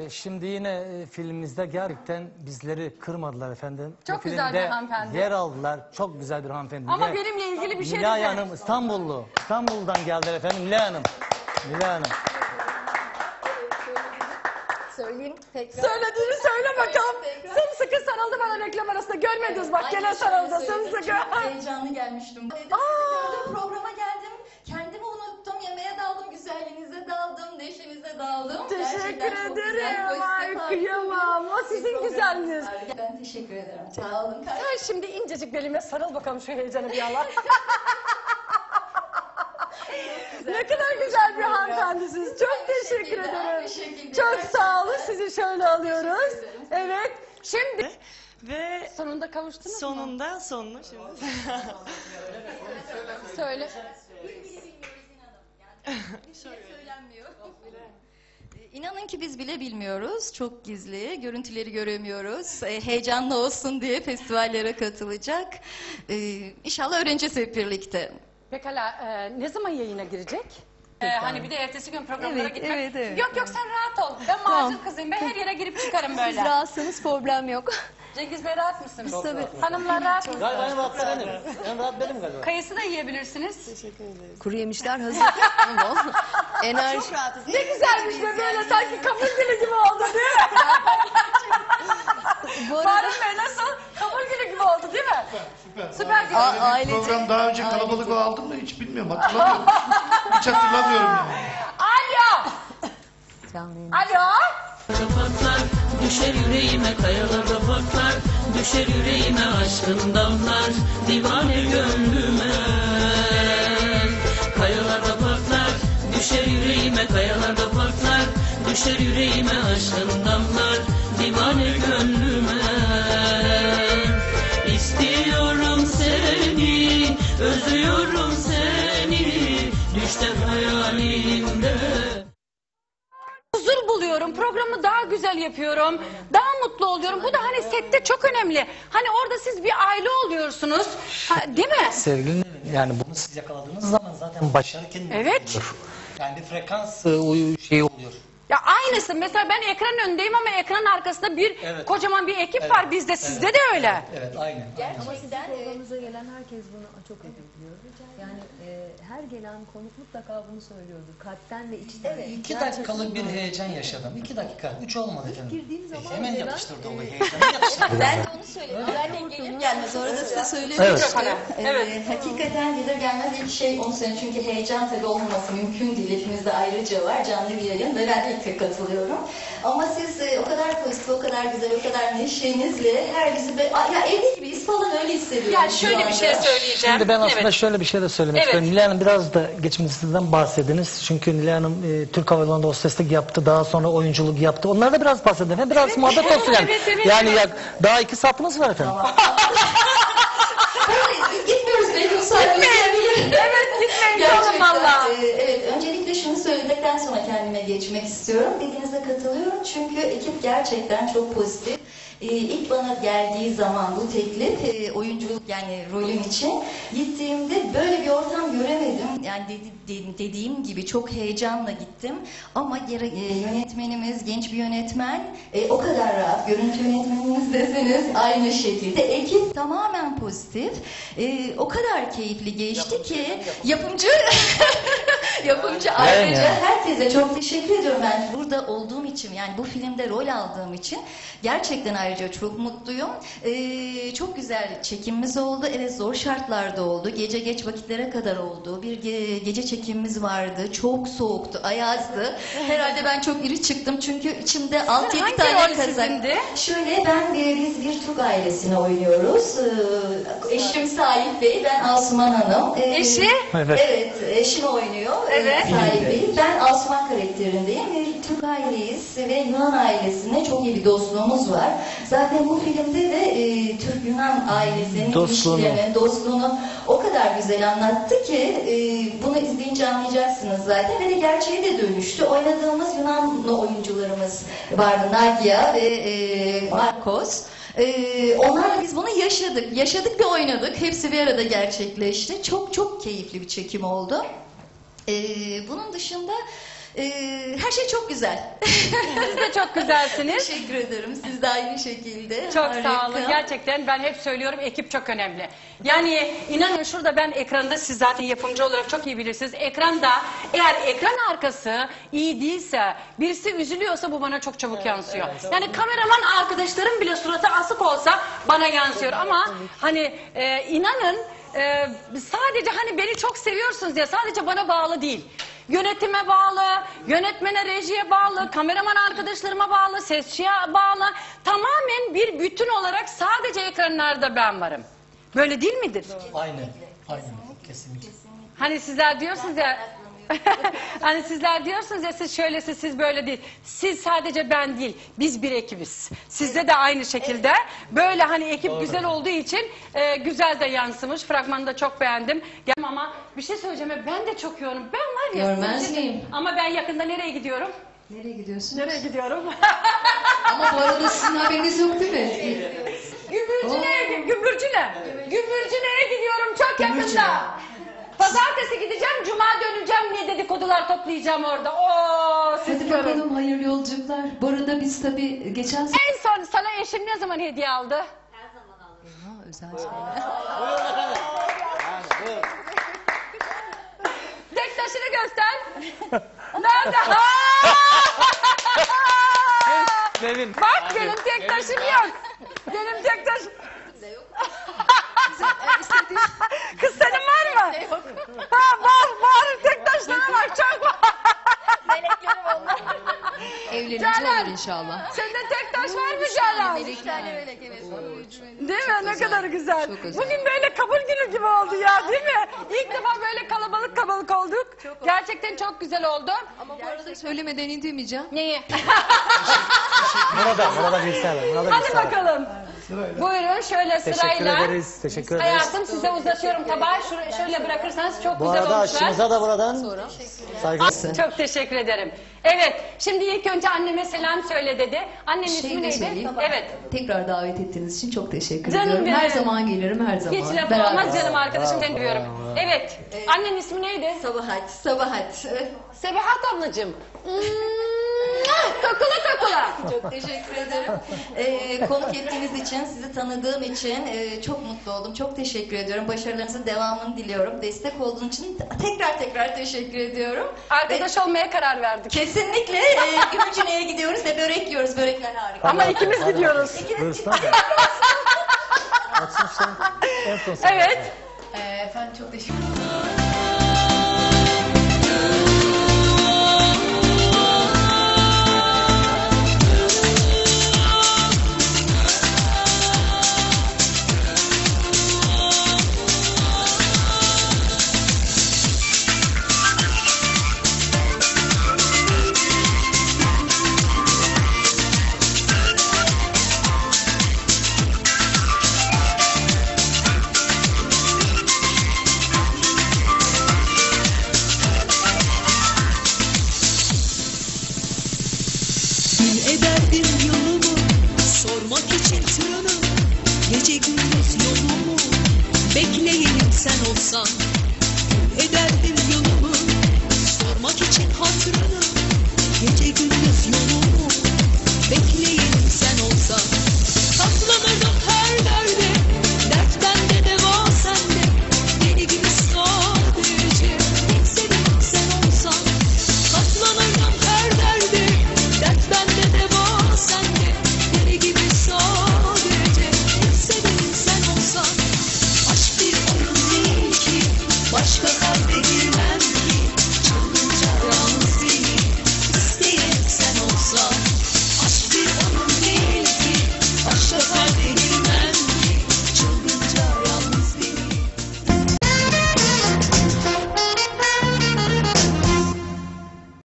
Şimdi yine filmimizde gerçekten bizleri kırmadılar efendim. Çok güzel bir hanımefendi. Yer aldılar. Çok güzel bir hanımefendi. Ama benimle ilgili bir şey Nilay dedi. Hanım İstanbullu. İstanbul'dan geldiler efendim. Nilay Hanım. Nilay Hanım. Söyleyeyim tekrar. Söylediğini söyle bakalım. Sımsıkı sarıldı bana reklam arasında. Görmediniz bak gene sarıldı sımsıkı. Çok heyecanlı gelmiştim. Dedim, sizi gördüm, programa geldim. Kendimi unuttum. Yemeğe daldım, güzelliğinize daldım, neşenize daldım. Teşekkür Gerçekten çok güzel, ederim. pozitif, Ay harika kıyamam. O bir sizin program güzelliğiniz. var. Ben teşekkür ederim. Sağ olun. Sen şimdi incecik belime sarıl bakalım şu heyecanı bir Allah. Ne kadar güzel bir hanımefendisiniz. Çok teşekkür ederim. Çok sağ olun. Sizi şöyle alıyoruz. Evet. Şimdi Ve sonunda kavuştunuz mu? sonunda şimdi. Söyle. Söylenmiyor. İnanın ki biz bile bilmiyoruz. Çok gizli. Görüntüleri göremiyoruz. Heyecanlı olsun diye festivallere katılacak. İnşallah öğreneceğiz hep birlikte. Pekala ne zaman yayına girecek? Hani bir de ertesi gün programlara Evet, gitmek. evet. Yok sen rahat ol. Ben macir kızıyım. Ben her yere girip çıkarım böyle. Siz rahatsınız, problem yok. Cengiz Bey rahat mısınız? Tabii. Hanımlar rahat mısınız? Galiba en rahat benim. En rahat benim galiba. Kayısı da yiyebilirsiniz. Teşekkür ederiz. Kuru yemişler hazır. Enerji. Ne güzelmiş be böyle sanki kabul günü gibi oldu değil mi? Fahri Bey nasıl? Kabul günü gibi oldu değil mi? Süper değil mi? Ailece. Program daha önce kalabalık aldım da hiç bilmiyorum, hatırlamıyorum. Hiç hatırlamıyorum yani. Alo! Alo! Kapaklar düşer yüreğime, kayalarda patlar düşer yüreğime, aşkın damlar divane gönlüme. Kayalarda patlar düşer yüreğime, kayalarda patlar düşer yüreğime, aşkın damlar divane gönlüme. İstiyorum seni, özlüyorum seni, düşten hayalimde. Huzur buluyorum, programı daha güzel yapıyorum, daha mutlu oluyorum. Bu da hani sette çok önemli. Hani orada siz bir aile oluyorsunuz, değil mi? Sevgili yani bunu siz yakaladığınız zaman zaten başarı kendine Evet. oluyor. Yani bir frekans şeyi oluyor. Ya aynısı. Mesela ben ekranın önündeyim ama ekranın arkasında bir kocaman bir ekip var bizde. Sizde de öyle. Evet, aynen. Gerçekten Programımıza gelen herkes bunu çok ediyor. Yani her gelen konuk mutlaka bunu söylüyordur. Kalpten ve içten. Evet. 2 dakikalık bir heyecan yaşadım. 2 dakika. 3 olmadı efendim. girdiğim zaman Hemen gelen, yapıştırdı o heyecanı yapıştırdı. ben de onu söyledim. Zaten gelir gelmez. Orada size söylemiştim. Evet. Hakikaten gelir gelmez ilk şey onu söyleyeyim. Çünkü heyecan tabii olmaması mümkün değil. Hepimizde ayrıca var. Canlı bir yayın ve ben de ilk katılıyorum. Ama siz o kadar pozitif, o kadar güzel, o kadar neşenizle her bizi ya evde gibiyiz falan öyle hissediyorum. Yani şöyle bir şey söyleyeceğim. Şimdi ben aslında şöyle bir şey de söylemek istiyorum. Nilay Hanım biraz da geçmişinizden bahsediniz. Çünkü Nilay Hanım Türk Hava Yolları'nda hosteslik yaptı. Daha sonra oyunculuk yaptı. Onlara da biraz bahsedin. Hem biraz muhabbet olsun yani. Yani daha 2 saatimiz var efendim. Gitmiyoruz belki o saatte. Evet gitmeyin canım valla. Evet, öncelikle şunu söyledikten sonra kendime geçmek istiyorum. Dediğinize katılıyorum çünkü ekip gerçekten çok pozitif. İlk bana geldiği zaman bu teklif oyunculuk yani rolüm için gittiğimde böyle bir ortam göremedim. Yani dediğim gibi çok heyecanla gittim ama yönetmenimiz genç bir yönetmen o kadar rahat. Görüntü yönetmenimiz deseniz aynı şekilde. Ekip tamamen pozitif. O kadar keyifli geçti ki yapımcı ayrıca herkese çok teşekkür ediyorum. Ben burada olduğum için yani bu filmde rol aldığım için gerçekten ayrıca çok mutluyum. Çok güzel çekimimiz oldu. Evet zor şartlarda oldu. Gece geç vakitlere kadar oldu. Bir gece çekimimiz vardı. Çok soğuktu, ayazdı. Herhalde ben çok iri çıktım çünkü içimde 6-7 tane kazak. Şöyle biz bir Türk ailesine oynuyoruz. Eşim Salih Bey, ben Asuman Hanım. Eşi? Evet. Eşim oynuyor. Evet. Salih Bey. Ben Asuman karakterindeyim. Türk aileyiz ve Yunan ailesinde çok iyi bir dostluğumuz var. Zaten bu filmde de Türk-Yunan ailesinin ilişkilerini, dostluğunu o kadar güzel anlattı ki bunu izleyince anlayacaksınız zaten. Ve de gerçeğe de dönüştü. Oynadığımız Yunanlı oyuncularımız vardı. Nagia ve Marcos. Onlarla biz bunu yaşadık. Yaşadık ve oynadık. Hepsi bir arada gerçekleşti. Çok çok keyifli bir çekim oldu. Bunun dışında Her şey çok güzel. Siz de çok güzelsiniz. Teşekkür ederim. Siz de aynı şekilde. Çok Harika. sağ olun. Gerçekten ben hep söylüyorum, ekip çok önemli. Yani inanın şurada ben ekranda, siz zaten yapımcı olarak çok iyi bilirsiniz. Ekranda eğer ekran arkası iyi değilse, birisi üzülüyorsa bu bana çok çabuk yansıyor. Yani kameraman arkadaşlarım bile suratı asık olsa bana yansıyor. Ama hani inanın sadece hani beni çok seviyorsunuz diye sadece bana bağlı değil. Yönetime bağlı, yönetmene, rejiye bağlı, kameraman arkadaşlarıma bağlı, sesçiye bağlı. Tamamen bir bütün olarak sadece ekranlarda ben varım. Böyle değil midir? Aynen. Aynen. Kesinlikle. Hani sizler diyorsunuz ya hani sizler diyorsunuz ya siz şöylesi siz böyle değil. Siz sadece ben değil. Biz bir ekibiz. Sizde de aynı şekilde. Böyle hani ekip güzel olduğu için güzel de yansımış. Fragmanı da çok beğendim. Ama bir şey söyleyeceğim. Ben de çok yoğunum. Ben var ya. Görmez miyim? Ama ben yakında nereye gidiyorum? Nereye gidiyorsun? Nereye gidiyorum? Ama bu arada sizin haberiniz yok değil mi? Gümbürcüne'ye gidiyorum çok yakında. Pazartesi gideceğim, cuma döneceğim, ne dedikodular toplayacağım orada. Oo, siz Hadi görün. bakalım, hayırlı yolculuklar. Bu arada biz tabii geçen En son sana eşin ne zaman hediye aldı? Ha, özel şeyler. Tek taşını göster. Nerede? Ha! Sevin. Bak benim tek taşım yok. Benim tek taşım. Kız senin var mı? Ha, var. Tek taşlarına bak, çok var. Evlenince Canan. olur inşallah. Sende tek taş var mı Canan? Değil mi? Ne kadar güzel. Çok özel. Bugün böyle kabul günü gibi oldu ya, değil mi? İlk defa böyle kalabalık olduk. Gerçekten çok güzel oldu. Ama bu arada söylemeden indirmeyeceğim. Neyi? Burada bilgisayar var. Burada Hadi bilgisayar var. bakalım. Buyurun şöyle Teşekkür sırayla. ederiz. Teşekkür ederiz. Hayatım size uzatıyorum tabağı. Şöyle bırakırsanız çok Bu güzel arada olmuşlar. aşçımıza da buradan saygı. Çok teşekkür ederim. Evet, şimdi ilk önce anneme selam söyle dedi. Annenin ismi Şey de neydi? söyleyeyim. Evet. Tekrar davet ettiğiniz için çok teşekkür Canım ediyorum. benim. Her zaman gelirim, her zaman. Hiç laf Beraber. olmaz canım arkadaşım, seni duyuyorum. Evet, annenin ismi neydi? Sabahat. Sebahat ablacığım. Kakula. Çok teşekkür ederim. Konuk ettiğiniz için, sizi tanıdığım için çok mutlu oldum. Çok teşekkür ediyorum. Başarılarınızın devamını diliyorum. Destek olduğun için tekrar teşekkür ediyorum. Arkadaş olmaya karar verdik. Kesinlikle Gümüşhane'ye gidiyoruz ve börek yiyoruz. Börekler harika. Ama ikimiz gidiyoruz. Buyursun. Açsın işte. En son sen. Evet. Efendim çok teşekkür ederim. Bil ederdim yolumu, sormak için türünü, gece gündüz yolumu, bekleyenim sen olsan. Bil ederdim